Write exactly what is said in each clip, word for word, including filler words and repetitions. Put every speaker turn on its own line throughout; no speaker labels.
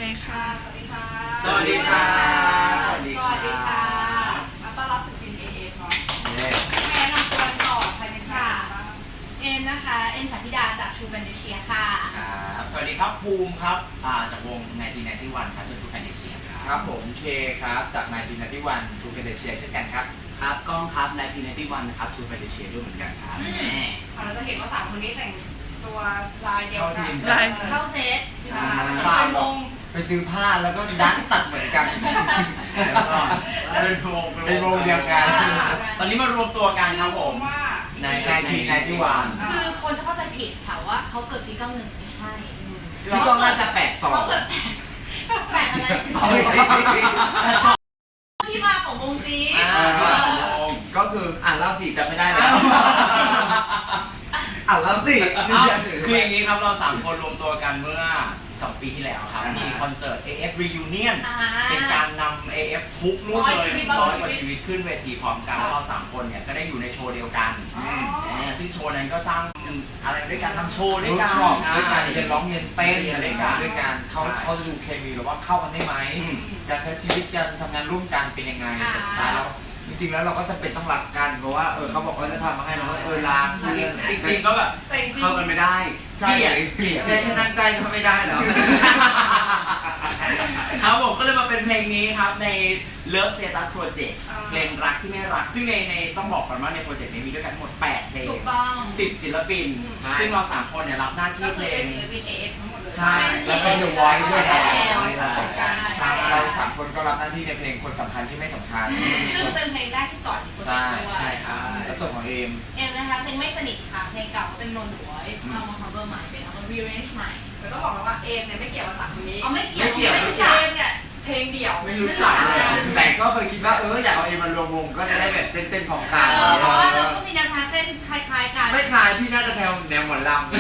ค่ะสวัสดีค่ะ
สวัสดีค่ะ
สวัสดีค่ะมาต้อนรับศิลปิน เอ เอฟ เนาะแม่แนะนำตัวก่อนใครเป็นใครบ้าง
เอ็มนะคะเอ็มสันธิดาจาก True Fantasia ค่ะ
ครับสวัสดีครับภูมิครับจากวงไนน์ทีไนน์ตี้วันครับจาก True Fantasia ครับ
ครับผมเคครับจากไนน์ทีไนน์ตี้วัน True Fantasia เช่นกันครับ
ครับก้องครับไนน์ทีไนน์ตี้วันนะครับ True Fantasia ด้วยเหมือนกันครับแม่
เราจะเห็นว่าสามคนนี้แต่งตัวลายเดียวกัน
เข้าเซต
เป็นวง
ไปซื้อผ้าแล้วก็ดันตัดเหมือนกัน
เป็นวง
เป็นวงเดียวกัน
ตอนนี้มารวมตัวกันครับผม
ในไนน์ทีไนน์ตี้วัน
คือคนจะเข้าใจผิดค่ะว่าเขาเกิดปีเก้าสิบเอ็ดไม่ใช่
พี่ก้องน่าจะแปดสอง
เขาเกิดแปดอะไรที่มาของวงซี
ก็คืออ่านเล่าสิจำไม่ได้แล้วอ่านเล่าสิ
คืออย่างนี้ครับเราสามคนรวมตัวกันเมื่อสองปีที่แล้วครับมีคอนเสิร์ต เอ เอฟ Reunion เป็นการนำ เอ เอฟ ทุกรุ่นเลยร้อยกว่าชีวิตขึ้นเวทีพร้อมกันแล้วเราสามคนเนี่ยก็ได้อยู่ในโชว์เดียวกันซึ่งโชว์นั้นก็สร้างอะไรด้วยกันทำโชว์ด้วยกัน
ด้วยการเรียนร้องเรียนเต้นอะไรกันด้วยกันเขาเขาจะดูเคมีหรือว่าเข้ากันได้ไหมการใช้ชีวิตกันทำงานร่วมกันเป็นยังไงแต่สุดท้ายแล้วจริงๆแล้วเราก็จะเป็นต้องรักกันเพราะว่าเออเขาบอกว่าจะทำมาให้เราเออรัก
จริงๆก็แบบเข้ากันไม่ได้
ใช่เกลียดแค่นั่งใกล้ก็ไม่ได้แล้ว
ครับผมก็เลยมาเป็นเพลงนี้ครับใน Love Status Project เพลงรักที่ไม่รักซึ่งในในต้องบอกก่อนว่าในโปรเจกต์นี้มีด้วยกันทั้งหมดแปดเพลงสิบศิลปินซึ่งเราสามคนเนี่ยรับหน้าที่เพลง
ศิลปิน เอ เอฟ ทั้งหมดเลย
ใช่
แล้วก็ The Voice ด้วยนะใช่เราสามคนก็รับหน้าที่ในเพลงคนสำคัญที่ไม่สำคัญ
ซึ่งเป็นเพลงแรกที่ต่อในโปรเจกต์ด้วย
ใช่ครับแล้วส่วนของเอม
เอมนะคะเพลงไม่สนิทค่ะเพลงเก่าเป็น Non The Voice เอามา cover ใหม่เป็นเอามา rearrange ใหม่
แต่ต้องบอกว่าเอมเนี่ยไม่เกี่ยวกับสามคนนี้
อ๋อไม่เกี่ยว
ไม่เกี่ยว
เอมเนี่ยเพลงเดี่ยว
ไม่รู้จักเลยแต่ก็เคยคิดว่าเอออยากเอาเอมมารวมวงก็จะได้แบบเต้นๆของกลาง
เพราะว่าเราก็มีแนวทางเต้นคล้ายๆกัน
ไม่คล้ายพี่น่าจะแนวแนวหมอนลำ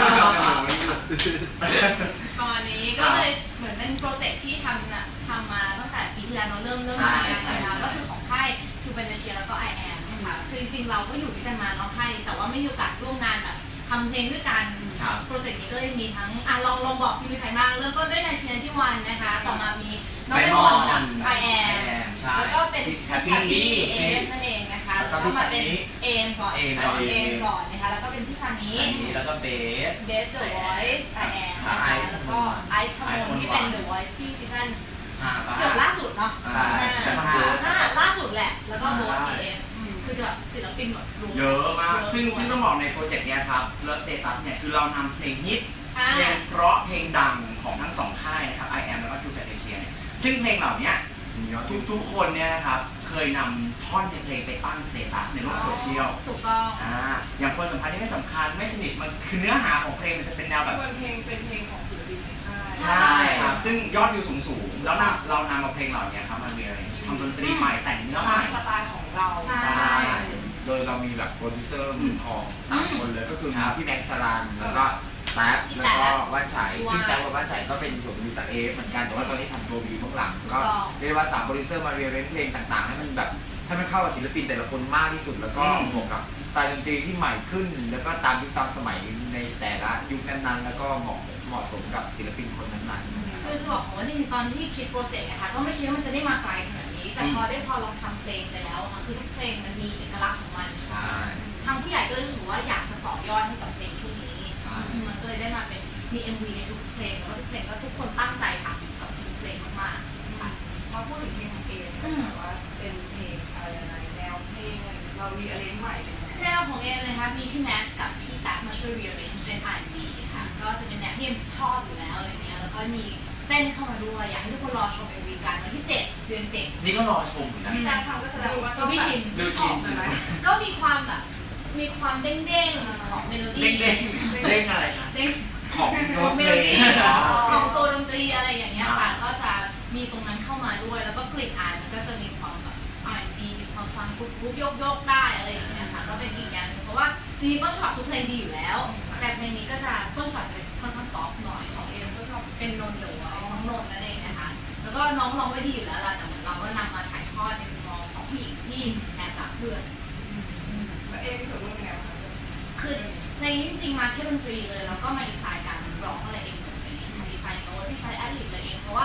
ตอนนี้ก็เลยเหมือนเป็นโปรเจกต์ที่ทำน่ะทำมาตั้งแต่ปีที่แล้วเราเริ่มเริ่มทำงานกันแล้วก็คือของค่าย True Fantasia แล้วก็ ไอ แอม นะคะคือจริงๆเราก็อยู่ด้วยกันมาเนาะค่ายแต่ว่าไม่มีโอกาสร่วมงานแบบทำเพลงด้วยกันโปรเจกต์นี้ก็เลยมีทั้งอ่ะลองลองบอกซีมีใครบ้างเริ่มต้นด้วยไนน์ทีไนน์ตี้วันนะคะต่อมามีน้องไอมอนจาก ไอ แอม แล้วก็เป็นแฮปปี้บีเอฟนั่นเองนะคะแล้วก็มาเป็นเอมก่อนเอมก่อนนะคะแล้วก็เป็นพี่ซานิ
แล้วก็เบส
เบส The Voice ไอ แอมนะคะแล้วก็ไอซ์ทมนที่เป็น The Voice ที่ซีซั่นเกือบล่าสุดเนาะล่าสุดแหละแล้วก็โบสเอฟคือจะแบบศิลปินหมด
เยอะมากซึ่งที่ต้องบอกในโปรเจกต์นี้ครับเลิฟสเตตัสเนี่ยคือเรานำเพลงฮิตเพลงเพราะเพลงดังของทั้งสองค่ายนะครับ ไอ แอม แล้วก็ True Fantasia เนี่ยซึ่งเพลงเหล่านี้ทุกทุกคนเนี่ยนะครับเคยนำท่อนในเพลงไปตั้งสเตตัสในโลกโซเชียล
ถูกต้อง
อ่าอย่างคนสำคัญที่ไม่สำคัญไม่สนิทมันคือเนื้อหาของเพลงมันจะเป็นแนวแบบ
เพลงเป็นเพลงของศิลปินในค่าย
ใช่ครับซึ่งยอดวิวสูงๆแล้วเรานำเอาเพลงเหล่านี้ครับมาเรียนทำดนตรีใหม่แต่งเนื้อใหม่
สไตล์ของเรา
ใช่
โดยเรามีแบบโปรดิวเซอร์มือทองสามคนเลยก็คือพี่แม็กซ์สรันแล้วก็แท็บแล้วก็ว่านชัยซึ่งแท็บกับว่านชัยก็เป็นผลวิจากเอฟเหมือนกันแต่ว่าตอนนี้ทำตัววีเบื้องหลังก็เรียกว่าสามโปรดิวเซอร์มาเรียนเพลงต่างๆให้มันแบบให้มันเข้ากับศิลปินแต่ละคนมากที่สุดแล้วก็บวกกับสไตล์ดนตรีที่ใหม่ขึ้นแล้วก็ตามยุคตามสมัยในแต่ละยุคนั้นๆแล้วก็เหมาะเหมาะสมกับศิลปินคนนั้นๆ
คือจะบอกว่าจริงๆตอนที่คิดโปรเจกต์นะคะก็ไม่คิดว่ามันจะได้มาไกลขนาดนี้แต่พอได้พอลองทำเพลงไปแล้วค่ะคือทุกเพลงมันมีเอกลักษณ์ของมันทางผู้ใหญ่ก็เลยรู้สึกว่าอยากจะต่อยอดให้กับเพลงชุดนี้มันก็เลยได้มาเป็นมี เอ็ม วี ในทุกเพลงแล้วก็ทุกเพลงก็ทุกคนตั้งใจทำกับทุกเพลงมากๆค่ะ
มาพูดถึงเพลงของเอมแบบว่าเป็นเพลงอะไรอะไรแนวเพลงเรามีอะไรใหม่
แนวของเอมนะคะมีพี่แม็กกับพี่ตั๊กมาช่วย rearrange เป็น อาร์ แอนด์ บี ค่ะก็จะเป็นแนวที่เอมชอบอยู่แล้วอะไรเงี้ยแล้วก็มีเต้นเข้ามาด้วยอยากให้ทุกคนรอชม เอ็ม วี กันวันที่เจ็ดเดือนเจ็ด
นี่ก็รอชมนะ
พี่ตั๊กทำก็แสดงว่า
พี่ชิน
ดูชินใช่ไหม
ก็มีความแบบมีความเด้งๆของเมโลดี้
เด้ง
เด้งอะไรนะ
เด้ง
ของ
เมโลดี้ของตัวดนตรีอะไรอย่างเงี้ยค่ะก็จะมีตรงนั้นเข้ามาด้วยแล้วก็กลิ่นอายมันก็จะมีความแบบ อาร์ แอนด์ บี มีความฟังปุ๊บปุ๊บโยกๆได้อะไรอย่างเงี้ยค่ะก็เป็นอีกอย่างนึงเพราะว่าจริงๆต้นฉบับทุกเพลงดีอยู่แล้วแต่เพลงนี้ก็จะต้นฉบับจะเป็นค่อนข้างป๊อปหน่อยของเอ็มก็ชอบเป็นนนท์เดอะวอยซ์น้องนนท์นั่นเองนะคะแล้วก็น้องร้องไว้ดีอยู่แล้วล่ะแต่เหมือนเราก็นำมาถ่ายทอดในมุมมองของผู้หญิงที่แอบรักเพื่อน
แล้วเอ็มมีส่วนร่วมยังไงบ้าง
คือในนี้จริงๆมาแค่ดนตรีเลยแล้วก็มาดีไซน์การร้องอะไรเองหมดเลยมาดีไซน์โน้ตดีไซน์แอดลิบอะไรเองเพราะว่า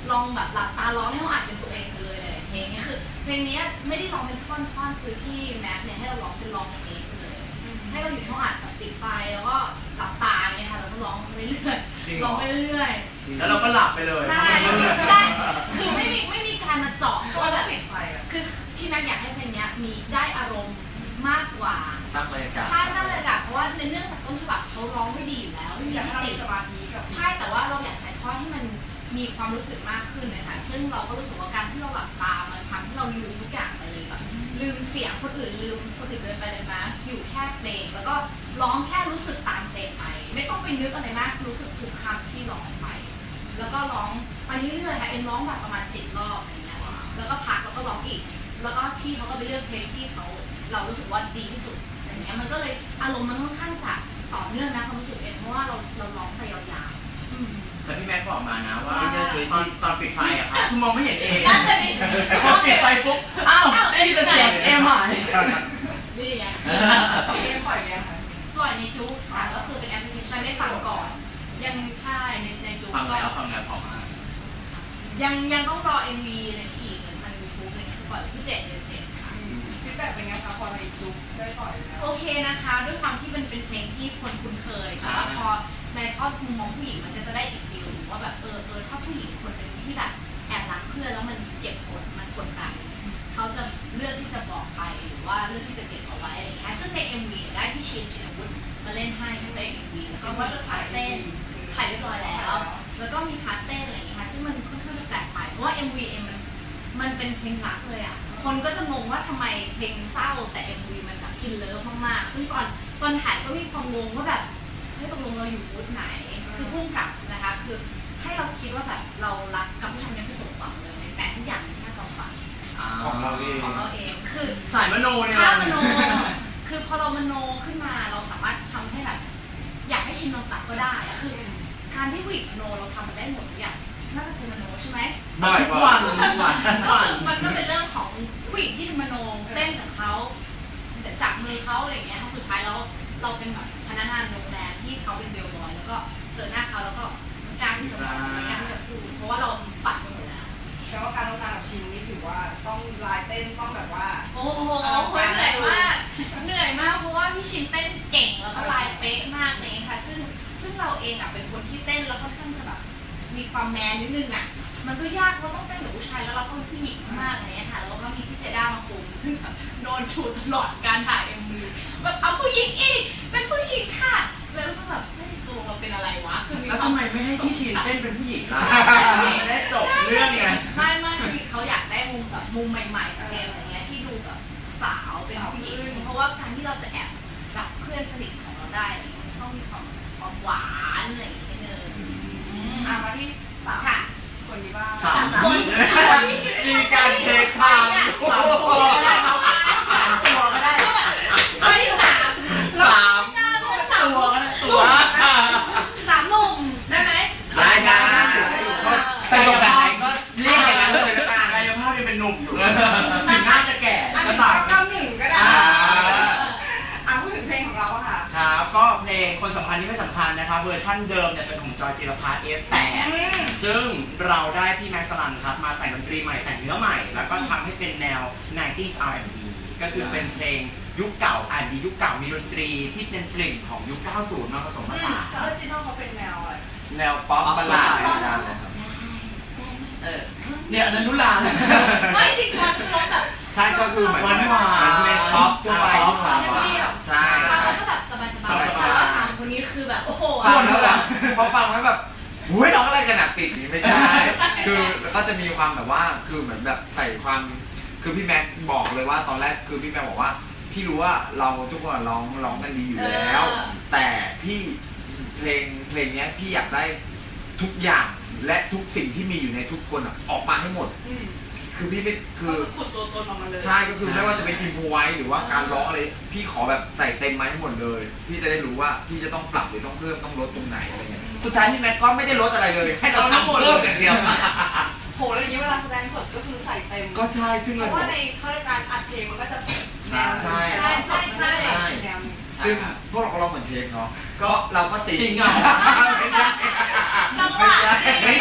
ลองแบบหลับตาร้องในห้องอัดเป็นตัวเองไปเลยหลายๆเพลงเนี่ยคือเพลงนี้ไม่ได้ร้องเป็นท่อนๆคือพี่แม็กเนี่ยให้เราร้องเป็นร้องเพลงไปเลยให้เราอยู่ในห้องอัดแบบปิดไฟแล้วก็หลับตาอย่างเงี้ยค่ะแล้วก็ร้องไปเรื่อยๆร้องไปเรื่อยๆ
แล้วเราก็หลับไปเลย
ใช่ใช่คือไม่มีไม่มีการมาเจาะว่าแบบ
ปิดไฟอ่ะ
คือพี่แม็กอยากให้เพลงนี้มีได้อารมณ์มากกว่า
สร้างบรรยากาศ
ใช่สร้างบรรยากาศเพราะว่าในเนื่องจากต้นฉบับเขาร้องไม่ดีอยู่แล้วไม่มี
อยากให้เรา
ติ
มีสมาธิกับ
ใช่แต่ว่าเราอยากถ่ายทอดให้มันมีความรู้สึกมากขึ้นนะคะซึ่งเราก็รู้สึกว่าการที่เราหลับตามันทำให้เราลืมทุกอย่างไปเลยแบบลืมเสียงคนอื่นลืมคนอื่นเดินไปเดินมาอยู่แค่เพลงแล้วก็ร้องแค่รู้สึกตามเพลงไปไม่ต้องไปนึกอะไรมากรู้สึกทุกคำที่ร้องไป แล้วก็ร้องไปเรื่อยๆค่ะเอ็นร้องแบบประมาณสิบรอบอะไรเงี้ยแล้วก็พักแล้วก็ร้องอีก แล้วก็พี่เขาก็ไปเลือกเพลงที่เขาเรารู้สึกว่าดีที่สุดอะไรเงี้ยมันก็เลยอารมณ์มันค่อนข้างจะต่อเนื่องนะความรู้สึกเอ็นเพราะว่าเราเราร้องไปยาวๆอืม
แต่พี่แม็กบอกมานะว่า
ซึ่งก็คือ
ตอนตอนปิดไฟอะครับคือมองไม่เห็นเอง
นั่นเลย
พอปิดไฟปุ๊บอ้าวไอ้เป็นเสียงเอ็มหาย
นี่ไง
เอ็มปล่อยยังคะ
ปล่อยในจู๊กค่ะก็คือเป็นแอปพลิเคชันได้ฟังก่อน ยังใช่ในในจู๊ก
ฟัง
ก็
แล้วฟังแล้วพอมาก
ยังยังต้องรอ เอ็ม วี อะไรอีกเหมือนทางยูทูบอะไรเงี้ยจะปล่อยวันที่เจ็ดเดือนเจ็ดค่ะ
ฟีดแบ็กเป็นไงคะพอในจุ๊บได้ปล่อยแล้ว
โอเคนะคะด้วยความที่มันเป็นเพลงที่คนคุ้นเคยแต่ว่าพอในทอดมุมมองผู้หญิงมันก็จะได้อีกฟิลว่าแบบเออเออถ้าผู้หญิงคนหนึ่งที่แบบแอบรักเพื่อนแล้วมันเก็บกดมันกดดันเขาจะเลือกที่จะบอกไปหรือว่าเลือกที่จะเก็บเอาไว้อะไรอย่างเงี้ยซึ่งใน เอ็ม วี ได้พี่ชินชินวุฒิมาเล่นให้ทั้งใน เอ็ม วี แล้วก็ว่าจะถ่ายเต้นถ่ายเรียบร้อยแล้ว แล้วก็มีพาร์ทเต้นอะไรอย่างเงี้ยค่ะซึ่งมันค่อนข้างจะแปลกไปเพราะว่า เอ็ม วี เองมันมันเป็นเพลงรักเลยอ่ะคนก็จะงงว่าทำไมเพลงเศร้าแต่ เอ็ม วี มันแบบอินเลิฟมากๆซึ่งตอนตอนถ่ายก็มีความงงว่าแบบเฮ้ยตกลงเราอยู่บูธไหนคือพุ่งกลับนะคะคือให้เราคิดว่าแบบเรารักกับผู้ชายนี้คือสมหวังเลยแต่ทุกอย่างเป็นแค่ความฝัน
ของเราเอง
ของเราเองคือ
สายมโนเนี่ย
ถ้ามโนคือพอเรามโนขึ้นมาเราสามารถทำให้แบบอยากให้ชินนอนตับก็ได้อะคือการที่ผู้หญิงมโนเราทำมันได้หมดทุกอย่างน่าจะเป็นมโนใช่ไหม
บ่อย
ทุก
วั
วัน นทุกวันทุก
ก็
วัน
คือมันก็เป็นเรื่องของผู้หญิงที่ทำมโนเต้นกับเขาแต่จับมือเขาอะไรอย่างเงี้ยสุดท้ายแล้วเราเป็นแบบพนักงานโรงแรมที่เขาเป็นเบลบอยแล้วก็เจอหน้าเขาแล้วก็กล้าที่จะบอกไม่กล้าที่จะพูดเพราะว่าเราฝันไปหมดแล้ว
แต่ว่าการทำงานกับชินนี่ถือว่าต้องลายเต้นต้องแบบว่า
โอ้โหเหนื่อยมากเหนื่อยมากเพราะว่าพี่ชินเต้นเก่งแล้วก็ลายเป๊ะมากเลยค่ะซึ่งซึ่งเราเองอ่ะเป็นคนที่เต้นแล้วค่อนข้างจะแบบมีความแมนนิดนึงอ่ะมันก็ยากเพราะต้องเต้นกับผู้ชายแล้วเราก็เป็นผู้หญิงมากอะไรเงี้ยค่ะแล้วก็มีพี่เจด้ามาคุมซึ่งแบบโดนถูตลอดการถ่าย เอ็ม วี แบบเอาผู้หญิงอีกเป็นผู้หญิงค่ะแล้วก็แบบเฮ้ยตัวเราเป็นอะไรวะคือมี
แล้ว
ควา
ทำไมไม่ให้พี่ชินเต้นเป็นผู้หญิงล่ะได้จบ
ไม่
เรื่องไง
ไม่ไม่คือเขาอยากได้มุมแบบมุมใหม่ๆของเกมอะไรเงี้ยที่ดูแบบสาวเป็นผู้หญิงเพราะว่าการที่เราจะแอบกับเพื่อนสนิทของเราได้อะไรเงี้ยมันต้องมีความความหวานอะไรอย่างเงี้ยนิดนึงอืม
อ่ะมาที่สาม
ค่ะ
คนนี้บ้าง
สาม
คน
มีการเทคทาง
สามตัวก็ได้ครับสามตัวก็ได้
ข้อที่สาม
สามตัวก็ได้ตัว
สามหนุ่มได้ไหม
ได้ได้ก็สนุกแบบไหนก็เรียกอย่างนั้นเลยก็ได้
กายภาพยังเป็นหนุ่มอยู่ถึงน่าจะแก่
อัน
ก็
นี้
ตาม
เก้าหนึ่งก็ได้
อ่า
อ่ะพูดถึงเพลงของเราอะค่ะ
ครับก็เพลงคนสำคัญที่ไม่สำคัญนะครับเวอร์ชั่นเดิมเนี่ยเป็นของจอยจิรพัฒน์ เอฟ แปด ซึ่งเราได้พี่แม็กซ์สลันครับมาแต่งดนตรีใหม่แต่งเนื้อใหม่ แล้วก็ทำให้เป็นแนว ไนน์ตี้ อาร์ แอนด์ บี ก็คือเป็นเพลงยุคเก่า อาร์ แอนด์ บี ยุคเก่ามีดนตรีที่เป็นกลิ่นของยุค เก้าสิบ มาผสมผสาน
แล้วออริจินอลเขาเป็นแนวอะไร
แนวป๊อปบัลลาดอะไรนั่นเลยครับ
เออเนี่ยอนันนุลา
ไม่จริงๆคือร้องแบบ
ใช่ก็คือเหมือน
หวานหวาน
เพลงป๊อปทั่วไป
ป๊อป
ใช่
เราก็แบบสบายๆแต่ว่าสามคนนี้คือแบบโอ้โห
ฟังแล้วแบบพอฟังแล้วแบบอุ้ยร้องอะไรกันหนักปิดนี่ไม่ใช่คือก็จะมีความแบบว่าคือเหมือนแบบใส่ความคือพี่แม็กบอกเลยว่าตอนแรกคือพี่แม็กบอกว่าพี่รู้ว่าเราทุกคนร้องร้องกันดีอยู่แล้ว แต่พี่เพลงเพลงนี้พี่อยากได้ทุกอย่างและทุกสิ่งที่มีอยู่ในทุกคนอ่ะออกมาให้หมด
อืม
คือพี่ไม่คือ
ก็ขุดตัวตนออกมาเลย
ใช่ก็คือไม่ว่าจะเป็นอินโฟไว้หรือว่าการร้องอะไรพี่ขอแบบใส่เต็มมาให้หมดเลยพี่จะได้รู้ว่าพี่จะต้องปรับหรือต้องเพิ่มต้องลดตรงไหนอะไรเงี้ยสุดท้ายพี่แม็กก็ไม่ได้ลดอะไรเลยให้เราทำเพิ่มอย่างเดียว
โหแล้วอย่างนี้เวลาแสดงสดก็คือใส่เต็ม
ก็ใช่ซึ่ง
เพ
เรา
ราะว่าในข้าราชการอัดเพลงมันก็จะแนว
ใช่
ใช่ใช่ใช่แนวนี้
ซึ่งพวกเราก็ร้องเหมือนเทปเนาะก็เราก็สิง
สิงเหรอ
ไม่ใช่
จังหวะ
ไม่ซิงจ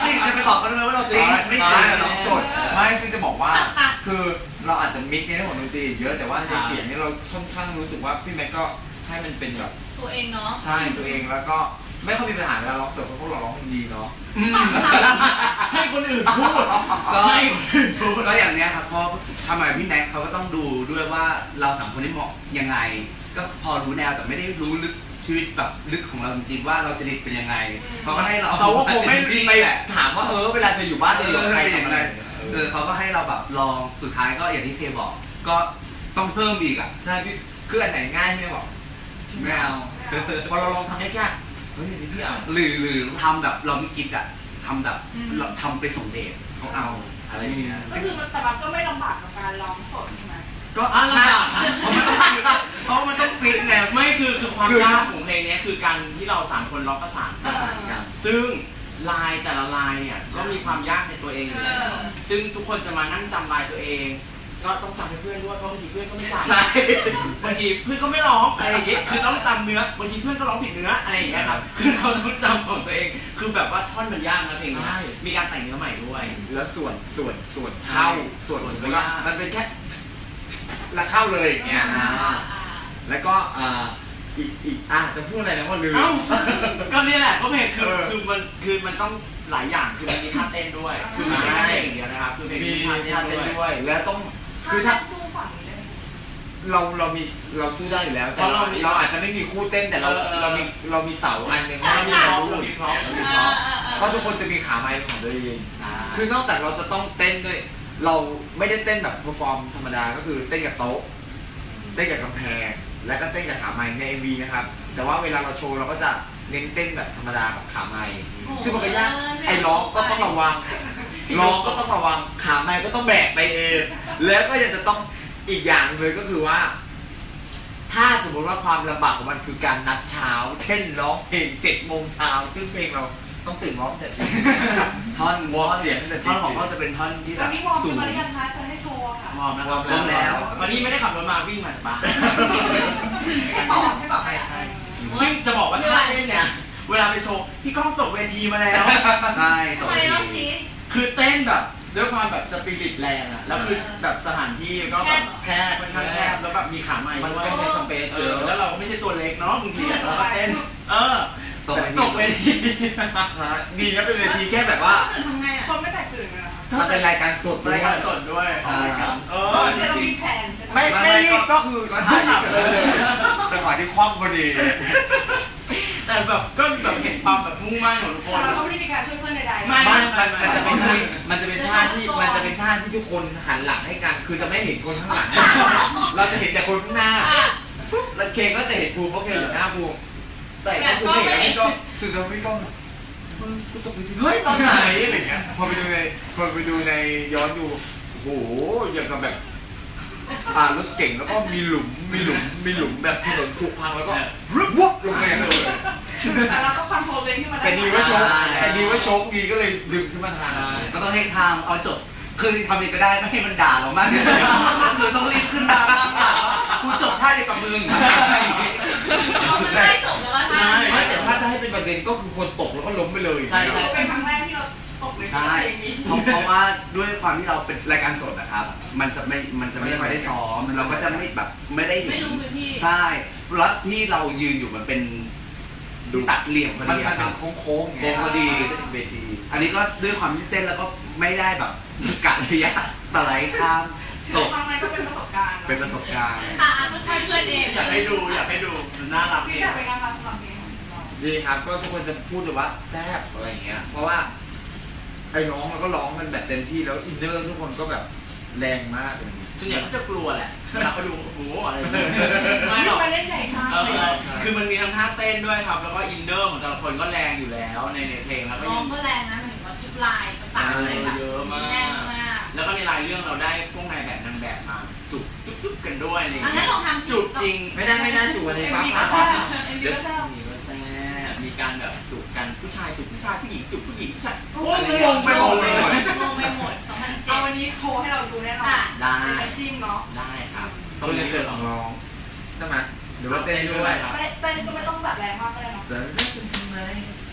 สิจะไปบอกเขาทำไมว่าเราซิงไม่
ไม่
ใช่
ใช่
เรา
เรา
ส
ส
ด
ดไม่ซึ่งจะบอกว่า คือเราอาจจะมิกในเรื่องของดนตรีเยอะแต่ว่าในเสียงนี่เราค่อนข้างรู้สึกว่าพี่แม็กก็ให้มันเป็นแบบ
ตัวเองเนาะ
ใช่ตัวเองแล้วก็ไม่ค่อยมีปัญหาเวลาร้องสดเพราะพวกเราร้องเพลงดีเนาะ
ให้คนอื่นพูด
ก็
ให้คนอื่นพูด
ก็อย่างเนี้ยครับเพราะทำไมพี่แม็กเขาก็ต้องดูด้วยว่าเราสามคนได้เหมาะยังไง ก็พอรู้แนวแต่ไม่ได้รู้ลึกชีวิตแบบลึกของเราจริงๆว่าเราจะดิบเป็นยังไงเขาก็ให้เรา
เขาก็คงไม่
ดี
ไป
แหละ
ถามว่าเออเวลาเธออยู่บ้านเธออยู่กับใคร
เออ
ทำอะไร
เออเขาก็ให้เราแบบลองสุดท้ายก็อย่างที่เคบอก ก็ต้องเพิ่มอีกอ่ะ
ใช่พี่คืออันไหนง่ายไม่บอก
ไม่เอา
พอเราลองทำยากๆเฮ้ยอันนี้พี่เอา
หรือหรือทำแบบเราไม่คิดอ่ะทำแบบเราทำไปส่งเดทเขาเอาอะไรอย่างเงี้ย
ก็คือมันแต่มันก็ไม่ลำบากกับการร้องสดใช่ไหม
ก็อ่ะลำบากเพราะมันต้องฟิตไง
ไม่คือคือความยากของเพลงนี้คือการที่เราสามคนร้องประสานกัน
ประสานกัน
ซึ่งลายแต่ละลายเนี่ยก็มีความยากในตัวเองอยู่แล้ว
เออ
ซึ่งทุกคนจะมานั่งจำลายตัวเอง ก็ต้องจำให้เพื่อนด้วยเพราะบางทีเพื่อนก็ไม่จำ
ใช่
บางทีเพื่อนก็ไม่ร้องอะไรอย่างเงี้ยคือต้องจำเนื้อบางทีเพื่อนก็ร้องผิดเนื้ออะไรอย่างเงี้ยครับคือเราต้องจำของตัวเอง คือแบบว่าท่อนมันยากนะเพลงนี้มีการแต่งเนื้อใหม่ด้วย
แล้วส่วนส่วนส่วนเข้าส่วน
ส่วน
แล้วก็
ยาก
มันเป็นแค่แล้วเข้าเลยอย่างเงี้ย
อ่า
อ่า
อ่า
แล้วก็อ่าอีกอีกอ่ะจะพูดอะไรนะว่าลืม
เอ้าก็เนี่ยแหละก็เพลงคือ
เออ
คือมันคือมันต้องหลายอย่างคือมันมีท่าเต้นด้วย คือไม่ใช่แค่เพลงอย่างเดียวนะครับคือเพลง
มี
มี
ท่า
ท่า
เต้
เต้
น
นด้วย
ด้วยแล้วต้อง
ถ้า
คือถ้า
สู้ฝั่งนี้ได้ไหม
เราเรามีเราสู้ได้อยู่แล้วแต่
เพราะ
เรา
เรามี
เราอาจจะไม่มีคู่เต้นแต่เรา
เออ
เรามีเรามีเสาอันหนึ่ง
เรามี
ให้
พร้อ
เรา
ม
ดู
เรามีพร้อมเรามีพ
เอ
ร้อ
อ
ม
เออเออ
เพราะทุกคนจะมีขาไม้ของตัวเอง
ใช่
คือนอกจากเราจะต้องเต้นด้วย เราไม่ได้เต้นแบบเพอร์ฟอร์มธรรมดาก็คือเต้นกับโต๊ะเต้นกับกำแพงแล้วก็เต้นกับขาไม้ใน เอ็ม วี นะครับแต่ว่าเวลาเราโชว์เราก็จะเน้นเต้นแบบธรรมดากับขาไม้ซึ่งมันก็ยากไอ้ร้องก็ต้องระวังร้องก็ต้องระวังขาไม้ก็ต้องแบกไปเองแล้วก็ยังจะต้องอีกอย่างหนึ่งเลยก็คือว่า ถ้าสมมติว่าความลำบากของมันคือการนัดเช้า เช่นร้องเพลงเจ็ดโมงเช้าซึ่งเพลงเราต้องตื่นร้องแต่ตี
ท่อน
วอร์มเสียงตั้งแต่
ท่อนของเขาจะเป็นท่อนที่แบ
วัน
บ
นี้วอร์ม
สู
ขึ้น
ง
มาหรือยังคะจะให้โชว์อะค่ะ
วอร์มนะครับ
วอร์มแล้ว
วันนี้ไม่ได้ขับรถมาวิ่งมาจากบ้าน
ให้บอกให้บอก
ใช่ใช่ซึ่งจะบอกว่าท่าเต้นเนี่ยเวลาไปโชว์พี่ก้องตกเวทีมาแล้ว
ใช่
ทำไมเล่าสิ
คือเต้นแบบด้วยความแบบสปิริตแรงอะแล้วคือแบบสถานที่ก็แบบแคบค่อนข้างแคบแล้วแบบมีขาใหม่
มัน
ด้ว
ก็
ย
ใช้สเปซ
เอ
เย
อ
อะ
แล้วเราก็ไม่ใช่ตัวเล็กเนาะบางทีเราก็เต้น เออ
ตกเวที
ตกเวที
ดีนะเป็นเวทีแค่แบบว่า
ตื่นทำไงอ่ะ
คนไม่แตกตื่นกันนะคะ
มันเป็นรายการสด
รายการสดด้วย
ใช่ครับ
เอ
เอ
อ
อเดี๋ยวเรามีแผน
ไม่ไม่รีบก็คือก็ถ่ายไปเลยจังหวะที่คว่ำพอดี
แต่แบบก็แบบเห็นความแบบมุ่งมั่นของทุกคน
เราก็ไม่ได้มีการช่วยเพื่อนใดๆ
ไม่
มันมันมันจะเป็นท่ามันจะเป็นท่าที่มันจะเป็นท่าที่ทุกคนหันหลังให้กัน คือจะไม่เห็นคนข้างหลัง เราจะเห็นแต่คนข้างหน้า
อ่ะ
แล้วเคก็จะเห็นภูมิเพราะเคอยู่หน้าภูมิแต่ก็คือไม่เห็นไม่ก็สื่อก็ไม่ต้องมึงกูตกไปทีเฮ้ยตอนไหนอะไรเงี้ยพอไปดูในพอไปดูในย้อนดูโอ้โหอย่างกับแบบอ่ารถเก่งแล้วก็มีหลุมมีหลุมมีหลุมแบบถนนผุพังแล้วก็รึบวุบลงไปเลย
แต่เราก็คอนโทรลตัวเองขึ้นมาได้
แต่ดีว่าโชคแต่ดีว่าโชคดีก็เลยดึงขึ้นมาทาน
ก็ต้องให้ทางเอาจบคือทำเองก็ได้ไม่ให้มันด่าเรามากคือต้องรีบขึ้นมาบ้างอ่ะกูจบท่าเดียวกับมึง
เอามันได้จบแล้วว่าท่า
ไม่แต่ถ้าจะให้เป็นประเด็นก็คือคนตกแล้วก็ล้มไปเลย
ใช่
คือเป็นครั้งแรกที่เราตกใน
ใช่
อย่างนี้
เพราะเพราะว่าด้วยความที่เราเป็นรายการสดนะครับ มันจะไม่มันจะไม่ค่อยได้ซ้อมเราก็จะไม่แบบไม่ได้เห็น
ไม่รู้พื้นที่
ใช่แล้วที่เรายืนอยู่มันเป็นดูตัดเหลี่ยมพอ
มัน
ดี
มัน
ค
เป็
รั
น
บ
โค้งๆ
โค้งพอดีเวที อันนี้ก็ด้วยความที่เต้นแล้วก็ไม่ได้แบบกะระยะสไลด์ข้ามตก
ครั้งนั้นก็เป็นประสบการณ์
เป็นประสบการณ์
อ่ะอ่ะค่อยๆเพื่อนเอง
อยากให้ดูอยากให้ดูน่ารัก
พี่
ดี
อยากเป็นงานมาสมัครเพลงของเรา
ดีครับก็ทุกคนจะพูดเลยว่าแซ่บอะไรอย่างเงี้ยเพราะว่าไอ้น้องมันก็ร้องกันแบบเต็มที่แล้วอินเนอร์ทุกคนก็แบบแรงมากเลย
ส่วนใหญ่ก็จะกลัวแหละเวลาเขาดูโอ้โหอะไรอย่างเงี้ย
ไม่
ไม่หรอก
มาเล่นใหญ่จัง
เอ
เลย
อคือมันมีทั้งท่าเต้นด้วยครับ แล้วก็อินเนอร์ของแต่ละคนก็แรงอยู่แล้วในในเพลงแล้วก็
ร้อ
ยัง ง
ก็แรงนะหมายถึงว่าทุกลายประสานอะไรแบบ
เยอะมาก
แน่นมาก
แล้วก็ในรายเรื่องเราได้พวกนายแบบนางแบบมาจุบจุบจุบกันด้วยอะไรอย่าง
อัน
เงี้
นั้
ย
นลองทำสิ
จุบจริง
ไม่ได้ไม่ได้จู่วัน
เอ็
นี้
ม
ฟ้า
วี
ผ่า
ก็แซ่บเอ็มวีก็แซ่บ
มีก็แซ่บมีการแบบจุบกันผู้ชายจุบผู้ชายผู้หญิงจุบผู้หญิงผู้ชาย
โอ้
โอ้ย
ย
งงไปหมดเลย
งงไปหมดสองพันสิบเจ็
เอา
ด
วันนี้โชว์ให้เราดูแน่นอน
ได้
เป็นน้ำจิ้มเนาะ
ได้ครับ
ตัวในเสือของร้องใช่ไหมหรือว่าเต้นด้วย
ครับ
เต้นเต้นก็ไม่ต้องแบบแรงมากก็ได้เนาะ
จะเลิกกันทำไม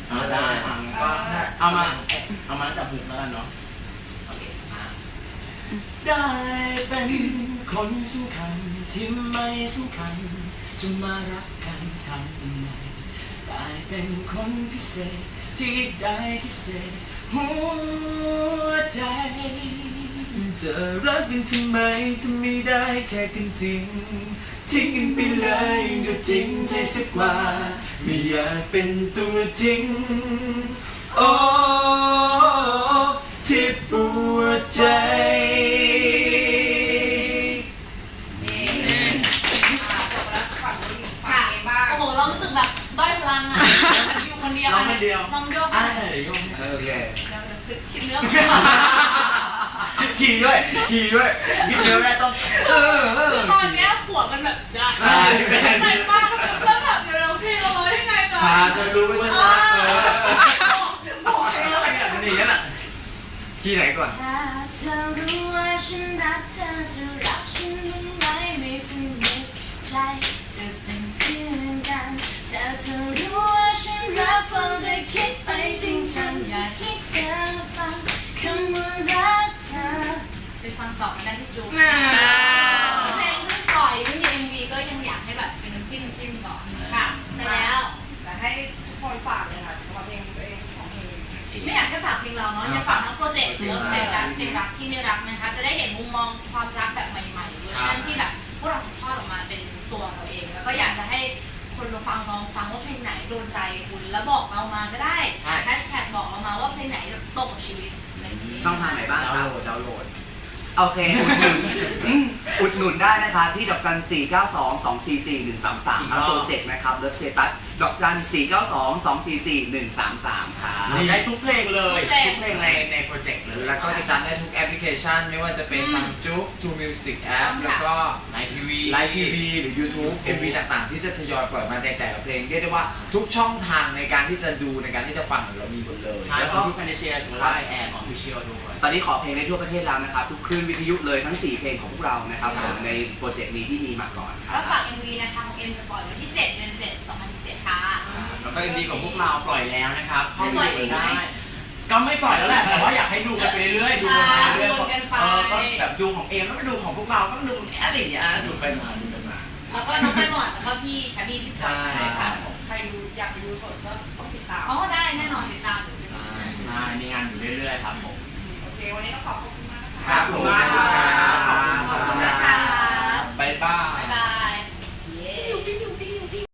อ่าได้อ่ะก็เอามาเอามาตั้งแต่หุกแล้วกันเนาะ
โอเค
ได้เป็นคนสำคัญที่ไม่สำคัญจะมารักกันทำไมได้เป็นคนพิเศษที่ได้พิเศษหัวใจจะรักกันทำไมจะไม่ได้แค่กันจริงทิ้งกันไปเลยก็จริงใจสักกว่าไม่อยากเป็นตัวจริงโอ้ที่ปวดใจ
นี่อ่าจบแล้วฝั่งผู้หญิงฝั่
ค่ะ
งเองบ้าง
โอ้โหเรารู้สึกแบบด้อยพลังอ่ะอยู่คนเดียว
น้องคนเดียว
น้องโยก
อ่า
อ่ะ
เดี๋ยวโยก
โอเค
เดี๋ยวเดี๋ยวคิดเนื้อ
ขี่ด้วยขี่ด้วยยิ้มเดียวได้ต้องเออเออ
คือตอนเนี้ยขวบมันแบบได้
อ่า
ใจมากแล้วแบบเดี๋ยวเราพี่เราได้ไงก่อน
พาเธอรู้ว่าฉันรักเธอ
บอกให้เลยเนี่ยมันอย่างนั้นอ่ะ
ที่ไหนก่อน
ถ้าเธอรู้ว่าฉันรักเธอจะรักฉันบ้างไหมไม่สนิทใจจะเป็นเพื่อนกันถ้าเธอรู้ว่าฉันรักเฝ้าได้คิดไปจริงจังอยากให้เธอฟังคำว่ารักเธอไปฟังต่อกันได้ที่จูเพลงเพิ่งปล่อยไม่มี เอ็ม วี ก็ยังอยากให้แบบเป็นน้ำจิ้มน้ำจิ้มก่อนค่ะใช่แล้ว
แต่ให้ทุกคนฝากเลยค่ะสำหรับเพลงตัวเองของเพลง
ไม่อยากแค่ฝากเพลงเราเนาะอยากฝากทั้งโปรเจกต์เลิฟสเตตัสเพลงรักที่ไม่รักนะคะจะได้เห็นมุมมองความรักแบบใหม่ๆเวอร์ชันที่แบบพวกเราถ่ายทอดออกมาเป็นตัวเราเอง แล้วก็อยากจะให้คนมาฟังลองฟังว่าเพลงไหนโดนใจคุณแล้วบอกเรามาก็ได้แฮชแท็กบอกเรามาว่าเพลงไหนตรงกับชีวิตอะไรอย่างนี้
ช่องทางไหนบ้าง
ดาว
ครั
น์
บ
โหลดดาวน์โหลด
โอเค อุดหนุนอืมอุดหนุนได้นะคะที่ดอกจันสี่เก้าสองสองสี่สี่หนึ่งสามสามครับโปรเจกต์นะครับเลิฟเซตัสดอกจันสี่เก้าสองสองสี่สี่หนึ่งสามสามค่ะ
ได้ทุกเพลงเลย ทุกเพลงในในโปรเจกต์เลย
แล้วก็ติดตามได้ทุกแอปพลิเคชัน ไม่ว่าจะเป็นทางจุ๊ก ทู มิวสิก แอป แล้วก็
ไลฟ์ทีวี
ไลฟ์ทีวีหรือ YouTube เอ็ม วี ต่างๆ ที่จะทยอยปล่อยมาในแต่ละเพลงเรียกได้ว่าทุกช่องทางในการที่จะดูในการที่จะฟังเรามีหมดเลย
ใช่
แล้ว
ข
ก็
องที่แฟนเชียหรือว่าไอแอนออฟฟิเชียลด้วย
ตอนนี้ขอเพลงได้ทั่วประเทศแล้วนะครับ ทุกคลื่นวิทยุเลยทั้ง สี่เพลงของพวกเรานะครับผมในโปรเจกต์นี้ที่มีมาก่อนครั
ก็
บ
ฝาก เอ็ม วี นะคะของเอ็มจะปล่อยวันที่เจ็ดเดือนเจ็ดสองพันสิบเจ็ดค่ะ
แล้วก็ยังดีของพวกเราปล่อยแล้วนะครับเข้า
ปล่
ไป
อย
ดู
อีกไหม
ได้ ก็ไม่ปล่อยแล้วแหละ แต่ว่าอยากให้ดูกันไปเรื่อยๆ ดูกันไปเรื่อย
อ่าดูกันไป
ๆเออก็แบบดูของเอมแล้วก็ดูของพวกเรา ก็ดูของแอดอะไรอย่างเงี้ยดูไปมาดูไปมา
แล้วก็น้องไปหมดแล้วก็พี่แคบบี้ที่จัด
ใช่
ใช่ค่ะ
ใครดูอยากไปดูสดก็ต้องติดตาม
อ๋อได้แน่นอนติดตามอยู่ใช่ไหม
ใช่ มีงานอยู่เรื่อยๆครับผม
โอเค วันนี้ต้องขอบคุณมากนะ
ค
คะ
รับผมมาก